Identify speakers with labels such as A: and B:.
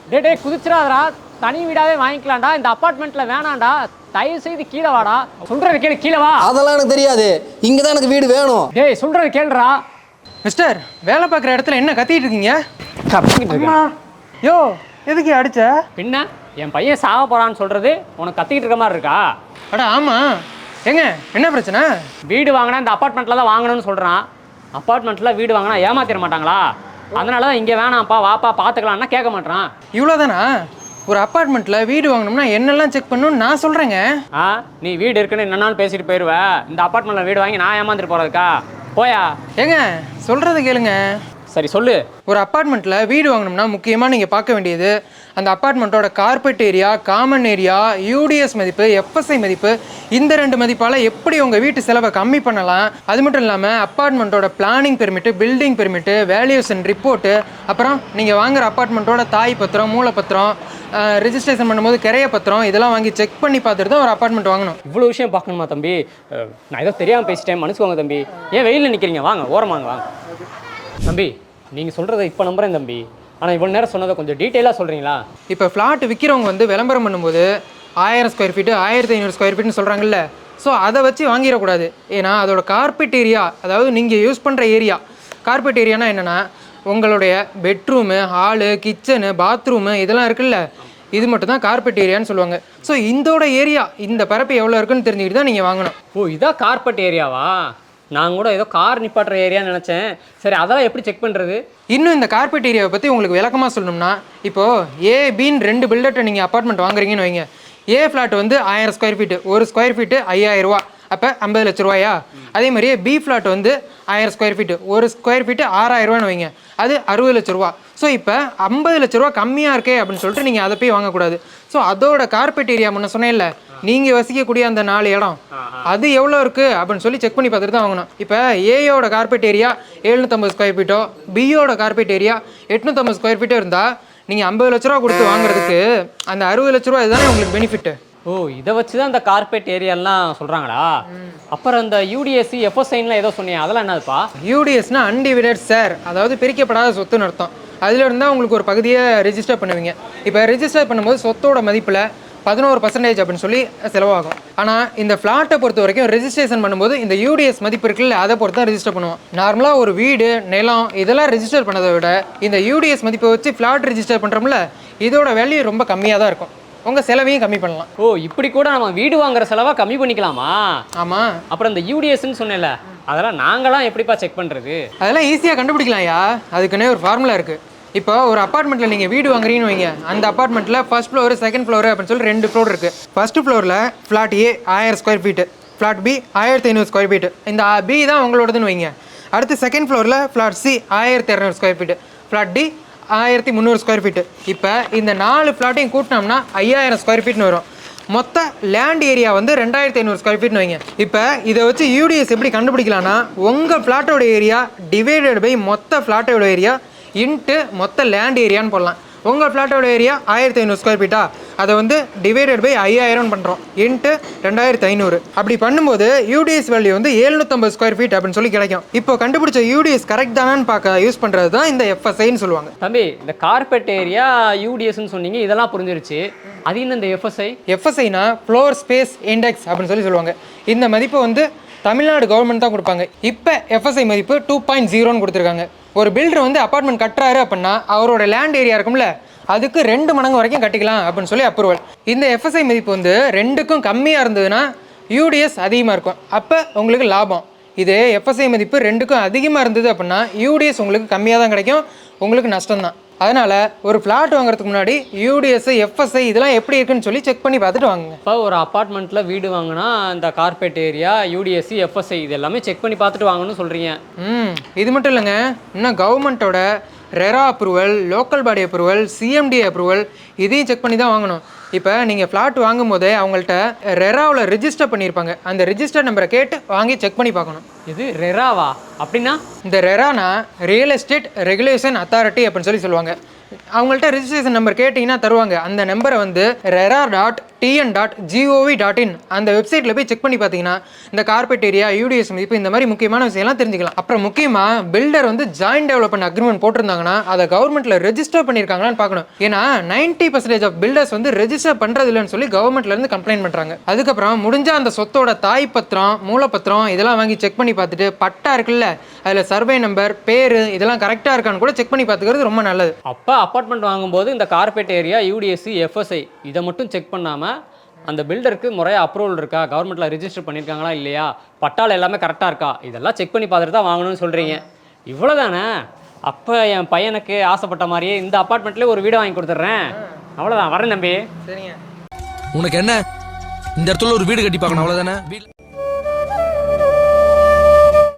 A: டேய் குதிச்சிடாதடா, தனி வீடாவே வாங்கிக்கலாம்டா. இந்த அப்பார்ட்மெண்ட்ல வேணாம்டா, தயவு செய்து கீழே வாடா. சொல்றது கேளு, கீழே வா.
B: அதெல்லாம் எனக்கு தெரியாது, இங்க தான் எனக்கு வீடு வேணும்.
A: டேய் சொல்றது கேளுடா.
C: மிஸ்டர், வேலை பார்க்குற இடத்துல என்ன கத்திட்டு இருக்கீங்க?
A: கத்திக்கிட்டு
C: யோ, எதுக்கு அடிச்ச?
A: பின்ன என் பையன் சாக போறான்னு சொல்றது உனக்கு கத்திக்கிட்டு இருக்க மாதிரி இருக்கா?
C: அட ஆமா, ஏங்க என்ன பிரச்சனை?
A: வீடு வாங்கினா இந்த அப்பார்ட்மெண்ட்ல தான் வாங்கணும்னு சொல்றான். அப்பார்ட்மெண்ட்ல வீடு வாங்கினா ஏமாத்திர மாட்டாங்களா? அதனால தான் இங்கே வேணாம்ப்பா வாப்பா பார்த்துக்கலாம்னா கேட்க மாட்டான்.
C: இவ்வளோதானா? ஒரு அப்பார்ட்மெண்ட்டில் வீடு வாங்கணும்னா என்னெல்லாம் செக் பண்ணணும்னு நான் சொல்கிறேங்க.
A: நீ வீடு இருக்குன்னு என்னன்னாலும் பேசிட்டு போயிடுவேன். இந்த அப்பார்ட்மெண்ட்டில் வீடு வாங்கி நான் ஏமாந்துட்டு போகிறதுக்கா? போயா.
C: ஏங்க சொல்கிறது கேளுங்க.
A: சரி சொல்லு.
C: ஒரு அப்பார்ட்மெண்ட்டில் வீடு வாங்கணும்னா முக்கியமாக நீங்கள் பார்க்க வேண்டியது அந்த அப்பார்ட்மெண்ட்டோட carpet area, common area, UDS மதிப்பு, எஃப்எஸ்ஐ மதிப்பு. இந்த 2 மதிப்பால் எப்படி உங்கள் வீட்டு செலவை கம்மி பண்ணலாம். அது மட்டும் இல்லாமல் அப்பார்ட்மெண்ட்டோட planning permit, building permit, valuation report, அப்புறம் நீங்கள் வாங்குகிற அப்பார்ட்மெண்ட்டோட தாய் பத்திரம், மூலப்பத்திரம், ரிஜிஸ்ட்ரேஷன் பண்ணும்போது கிரைய பத்திரம், இதெல்லாம் வாங்கி செக் பண்ணி பார்த்துட்டு தான் ஒரு அப்பார்ட்மெண்ட் வாங்கணும்.
A: இவ்வளோ விஷயம் பார்க்கணுமா தம்பி? நான் ஏதோ தெரியாமல் பேசிட்டேன், மன்னிச்சுக்கோங்க தம்பி. ஏன் வெயிலில் நிற்கிறீங்க? வாங்க ஓரமாங்க வாங்க. தம்பி நீங்கள் சொல்கிறத இப்போ நம்புகிறேன் தம்பி. ஆனால் இவ்வளோ நேரம் சொன்னதை கொஞ்சம் டீட்டெயிலாக சொல்கிறீங்களா?
C: இப்போ ஃப்ளாட் விற்கிறவங்க வந்து விளம்பரம் பண்ணும்போது 1000 ஸ்கொயர் ஃபீட்டு, 1500 ஸ்கொயர் ஃபீட்னு சொல்கிறாங்கல்ல. ஸோ அதை வச்சு வாங்கிடக்கூடாது. ஏன்னா அதோட கார்பெட் ஏரியா, அதாவது நீங்கள் யூஸ் பண்ணுற ஏரியா. கார்பெட் ஏரியானா என்னென்னா உங்களுடைய பெட்ரூமு, ஹாலு, கிச்சனு, பாத்ரூமு இதெல்லாம் இருக்குல்ல, இது மட்டும் தான் கார்பெட் ஏரியான்னு சொல்லுவாங்க. ஸோ இதோட ஏரியா, இந்த பரப்பு எவ்வளோ இருக்குன்னு தெரிஞ்சுக்கிட்டு தான் நீங்கள் வாங்கணும்.
A: ஓ, இதான் கார்பெட் ஏரியாவா? நான் கூட ஏதோ கார் நிப்பாட்டுற ஏரியான்னு நினச்சேன். சரி, அதெல்லாம் எப்படி செக் பண்ணுறது?
C: இன்னும் இந்த கார்பெட் ஏரியாவை பற்றி உங்களுக்கு விளக்கமாக சொல்லணும்னா, இப்போது ஏ பின்னு 2 பில்டர்கிட்ட நீங்கள் அப்பார்ட்மெண்ட் வாங்குறீங்கன்னு வைங்க. ஏ ஃப்ளாட் வந்து 1000 ஸ்கொயர் ஃபீட்டு, ஒரு ஸ்கொயர் ஃபீட்டு 5000 ரூபா, அப்போ 50 லட்ச ரூபாயா? அதே மாதிரியே பி ஃப்ளாட் வந்து 1000 ஸ்கொயர் ஃபீட்டு, ஒரு ஸ்கொயர் ஃபீட்டு 6000 ரூபான்னு வைங்க, அது 60 லட்ச ரூபா. ஸோ இப்போ 50 லட்ச ரூபா கம்மியாக இருக்கே அப்படின்னு சொல்லிட்டு நீங்கள் அதை போய் வாங்கக்கூடாது. ஸோ அதோட கார்பெட் ஏரியா முன்ன சொன்னேன்ல, நீங்கள் வசிக்கக்கூடிய அந்த 4 இடம் அது எவ்வளோ இருக்குது அப்படின்னு சொல்லி செக் பண்ணி பார்த்துட்டு தான் வாங்கணும். இப்போ ஏயோட கார்பெட் ஏரியா 750 ஸ்கொயர் ஃபீட்டோ, பியோட கார்பெட் ஏரியா 850 ஸ்கொயர் ஃபீட்டோ இருந்தால் நீங்கள் 50 லட்ச ரூபா கொடுத்து வாங்குறதுக்கு அந்த 60 லட்ச ரூபா இதுதானே உங்களுக்கு பெனிஃபிட்டு.
A: ஓ, இதை வச்சு தான் இந்த கார்பெட் ஏரியாலாம் சொல்கிறாங்களா? அப்புறம் இந்த யூடிஎஸ்சி, எஃப்எஸ்ஐன்லாம் ஏதோ சொன்னீங்க, அதெல்லாம் என்னதுப்பா?
C: யூடிஎஸ்னா அன்டிவைடட் ஷேர், அதாவது பிரிக்கப்படாத சொத்துன்னு அர்த்தம். அதில் இருந்தால் உங்களுக்கு ஒரு பகுதியை ரெஜிஸ்டர் பண்ணுவீங்க. இப்போ ரெஜிஸ்டர் பண்ணும்போது சொத்தோட மதிப்பில் 11% அப்படின்னு சொல்லி செலவாகும். ஆனால் இந்த ஃப்ளாட்டை பொறுத்த வரைக்கும் ரெஜிஸ்ட்ரேஷன் பண்ணும்போது இந்த யூடிஎஸ் மதிப்பு இருக்குல்ல, அதை பொறுத்து தான் ரெஜிஸ்டர் பண்ணுவோம். நார்மலாக ஒரு வீடு, நிலம் இதெல்லாம் ரெஜிஸ்டர் பண்ணதை விட இந்த யூடிஎஸ் மதிப்பை வச்சு ஃப்ளாட் ரெஜிஸ்டர் பண்ணுறோம்ல, இதோட வேல்யூ ரொம்ப கம்மியாக தான் இருக்கும். உங்கள் செலவையும் கம்மி பண்ணலாம்.
A: ஓ, இப்படி கூட நம்ம வீடு வாங்குற செலவை கம்மி பண்ணிக்கலாமா?
C: ஆமாம்.
A: அப்புறம் இந்த யூடிஎஸ்ன்னு சொன்னேன்ல, அதெல்லாம் நாங்களாம் எப்படிப்பா செக் பண்ணுறது?
C: அதெல்லாம் ஈஸியாக கண்டுபிடிக்கலாம்யா. அதுக்குன்னே ஒரு ஃபார்முலா இருக்குது. இப்போ ஒரு அப்பார்ட்மெண்ட்டில் நீங்கள் வீடு வாங்குறீங்கன்னு வைங்க. அந்த அப்பார்ட்மெண்ட்டில் ஃபர்ஸ்ட் ஃப்ளோர், செகண்ட் ஃப்ளோர் அப்படின்னு சொல்லி 2 ஃப்ளோர் இருக்குது. ஃபர்ஸ்ட் ஃப்ளோரில் ஃப்ளாட் ஏ 1000 square feet, flat B 1500 square feet. இந்த பி தான் உங்களோடதுன்னு வைங்க. அடுத்து செகண்ட் ஃப்ளோரில் flat C 1200 square feet, flat D 1300 square feet. இப்போ இந்த 4 ஃப்ளாட்டையும் கூட்டினோம்னா 5000 ஸ்கொயர் ஃபீட்னு வரும். மொத்த லேண்ட் ஏரியா வந்து 2500 ஸ்கொயர் ஃபீட்னு வைங்க. இப்போ இதை வச்சு யூடிஎஸ் எப்படி கண்டுபிடிக்கலாம்னா, உங்கள் ஃப்ளாட்டோட ஏரியா டிவைடட் பை மொத்த ஃப்ளாட்டோட ஏரியா இன்ட்டு மொத்த லேண்ட் ஏரியான்னு போடலாம். உங்கள் ஃப்ளாட்டோட ஏரியா 1500 ஸ்கொயர் ஃபீட்டா, அதை வந்து டிவைடட் பை 5000 பண்ணுறோம் இன்ட்டு 2500. அப்படி பண்ணும்போது யூடிஎஸ் வேல்யூ வந்து 750 ஸ்கொயர் ஃபீட் அப்படின்னு சொல்லி கிடைக்கும். இப்போ கண்டுபிடிச்ச யூடிஎஸ் கரெக்ட் தானான்னு பார்க்க யூஸ் பண்ணுறது தான் இந்த எஃப்எஸ்ஐன்னு சொல்லுவாங்க.
A: தம்பி, இந்த கார்பெட் ஏரியா யூடிஎஸ்ன்னு சொன்னீங்க, இதெல்லாம் புரிஞ்சிருச்சு. அது என்ன இந்த எஃப்எஸ்ஐ?
C: எஃப்எஸ்ஐனா ஃப்ளோர் ஸ்பேஸ் இண்டெக்ஸ் அப்படின்னு சொல்லி சொல்லுவாங்க. இந்த மதிப்பை வந்து தமிழ்நாடு கவர்மெண்ட் தான் கொடுப்பாங்க. இப்போ எஃப்எஸ்ஐ மதிப்பு 2.0ன்னு கொடுத்துருக்காங்க. ஒரு பில்டர் வந்து அப்பார்ட்மெண்ட் கட்டுறாரு அப்படின்னா அவரோட லேண்ட் ஏரியா இருக்கும்ல, அதுக்கு 2 மடங்கு வரைக்கும் கட்டிக்கலாம் அப்படின்னு சொல்லி அப்ரூவல். இந்த எஃப்எஸ்ஐ மதிப்பு வந்து 2க்கும் கம்மியாக இருந்ததுன்னா யூடிஎஸ் அதிகமாக இருக்கும், அப்போ உங்களுக்கு லாபம். இதே எஃப்எஸ்ஐ மதிப்பு 2க்கும் அதிகமாக இருந்தது அப்படின்னா யூடிஎஸ் உங்களுக்கு கம்மியாக தான் கிடைக்கும், உங்களுக்கு நஷ்டம் தான். அதனால் ஒரு ஃப்ளாட் வாங்குறதுக்கு முன்னாடி யூடிஎஸ், எஃப்எஸ்ஐ இதெல்லாம் எப்படி இருக்குன்னு சொல்லி செக் பண்ணி பார்த்துட்டு வாங்குங்க.
A: இப்போ ஒரு அப்பார்ட்மெண்ட்டில் வீடு வாங்கினா இந்த கார்பெட் ஏரியா, யூடிஎஸ்சி, எஃப்எஸ்ஐ இது எல்லாமே செக் பண்ணி பார்த்துட்டு வாங்கணும்னு சொல்கிறீங்க.
C: இது மட்டும் இல்லைங்க, இன்னும் கவர்மெண்ட்டோட RERA approval, local body approval, CMD approval இதையும் செக் பண்ணி தான் வாங்கணும். இப்போ நீங்கள் ஃப்ளாட் வாங்கும் போதே அவங்கள்ட்ட ரெராவில் ரிஜிஸ்டர் பண்ணியிருப்பாங்க. அந்த ரிஜிஸ்டர் நம்பரை கேட்டு வாங்கி செக் பண்ணி பார்க்கணும்.
A: இது ரெராவா? அப்படின்னா
C: இந்த ரெரானா ரியல் எஸ்டேட் ரெகுலேஷன் அத்தாரிட்டி அப்படின்னு சொல்லி சொல்லுவாங்க. அவங்கள்ட்ட ரிஜிஸ்ட்ரேஷன் நம்பர் கேட்டிங்கன்னா தருவாங்க. அந்த நம்பரை வந்து RERA.gov tn.gov.in அந்த வெப்சைட்டில் போய் செக் பண்ணி பார்த்தீங்கன்னா இந்த கார்பெட் ஏரியா, யூடிஎஸ் மதிப்பு, இந்த மாதிரி முக்கியமான விஷயம்லாம் தெரிஞ்சுக்கலாம். அப்புறம் முக்கியமாக பில்டர் வந்து ஜாயின்ட் டெவலப்மெண்ட் அக்ரிமெண்ட் போட்டிருந்தாங்கன்னா அதை கவர்மெண்ட்டில் ரெஜிஸ்டர் பண்ணியிருக்காங்களான்னு பார்க்கணும். ஏன்னா 90% ஆஃப் பில்டர்ஸ் வந்து ரெஜிஸ்டர் பண்ணுறது இல்லைன்னு சொல்லி கவர்மெண்ட்லேருந்து கம்ப்ளைண்ட் பண்ணுறாங்க. அதுக்கப்புறம் முடிஞ்ச அந்த சொத்தோட தாய் பத்திரம், மூலப்பத்திரம் இதெல்லாம் வாங்கி செக் பண்ணி பார்த்துட்டு பட்டா இருக்குல்ல அதில் சர்வே நம்பர், பேர் இதெல்லாம் கரெக்டாக இருக்கான்னு கூட செக் பண்ணி பார்த்துக்கிறது ரொம்ப நல்லது.
A: அப்போ அப்பார்ட்மெண்ட் வாங்கும்போது இந்த கார்பெட் ஏரியா, யூடிஎஸ்சி, எஃப்எஸ்ஐ இதை மட்டும் செக் பண்ணாமல் அந்த பில்டருக்கு முறையாக அப்ரூவல் இருக்கா, கவர்மெண்ட்டில் ரிஜிஸ்டர் பண்ணியிருக்காங்களா இல்லையா, பட்டால் எல்லாமே கரெக்டாக இருக்கா, இதெல்லாம் செக் பண்ணி பார்த்துட்டு தான் வாங்கணும்னு சொல்கிறீங்க. இவ்வளோதானே? அப்போ என் பையனுக்கு ஆசைப்பட்ட மாதிரியே இந்த அப்பார்ட்மெண்ட்லேயே ஒரு வீடு வாங்கி கொடுத்துட்றேன். அவ்வளோதான், வரேன் தம்பி.
C: சரிங்க.
D: உனக்கு என்ன இந்த இடத்துல ஒரு வீடு கட்டி பார்க்கணும், அவ்வளோதானே?